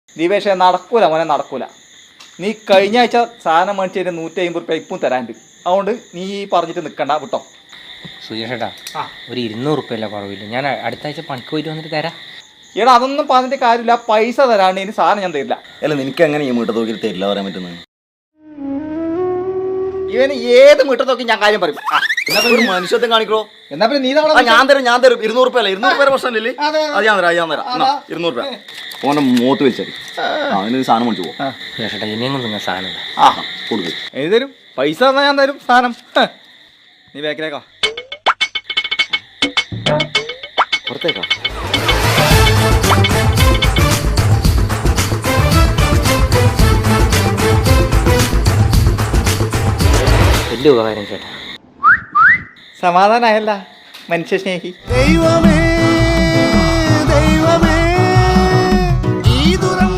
ദീപേഷേ നടക്കൂല മോനെ നടക്കൂല. നീ കഴിഞ്ഞ ആഴ്ച സാധനം മേടിച്ചതിന് 150 റുപ്യ ഇപ്പം തരാണ്ട്. അതുകൊണ്ട് നീ പറഞ്ഞിട്ട് നിൽക്കണ്ട വിട്ടോ. സുജേഷേട്ടാ ഒരു 200 റുപ്യല്ല കുറവില്ല. ഞാൻ അടുത്ത ആഴ്ച പണിക്ക് പോയിട്ട് വന്നിട്ട് തരാം. എടാ അതൊന്നും പറഞ്ഞിട്ട് കാര്യമില്ല. പൈസ തരാണ്ട് ഇനി സാധനം ഞാൻ തരില്ല. അല്ല നിനക്ക് എങ്ങനെ ഈ മീട്ട തോക്കിൽ തരില്ല പറയാൻ പറ്റുന്നത്? ഇവന് ഏത് മീട്ടത്തൊക്കെ ഞാൻ കാര്യം പറയും. ഒരു മനുഷ്യത്വം കാണിക്കോ? എന്നാ പിന്നെ നീ ഞാൻ തരും 200 റുപ്യ അല്ല 200 റുപ്യ പ്രശ്നമില്ലേ? അത് ഞാൻ തരാം 200 റുപ്യ. ഓന്റെ മൂത്ത് വലിച്ചറി അവന് സാധനം മേടിച്ചു പോകും. സുജേഷേട്ടാ ഇനിയെങ്കിലും നിങ്ങൾ സാധനം കൊടുക്കും. എഴുതി തരും. പൈസ തന്നാൽ ഞാൻ തരും സാധനം. നീ ബാക്കിലേക്കാ പുറത്തേക്കാ. വലിയ ഉപകാരം ചേട്ടാ. സമാധാനമായല്ല മനുഷ്യ സ്നേഹി. ദൈവമേ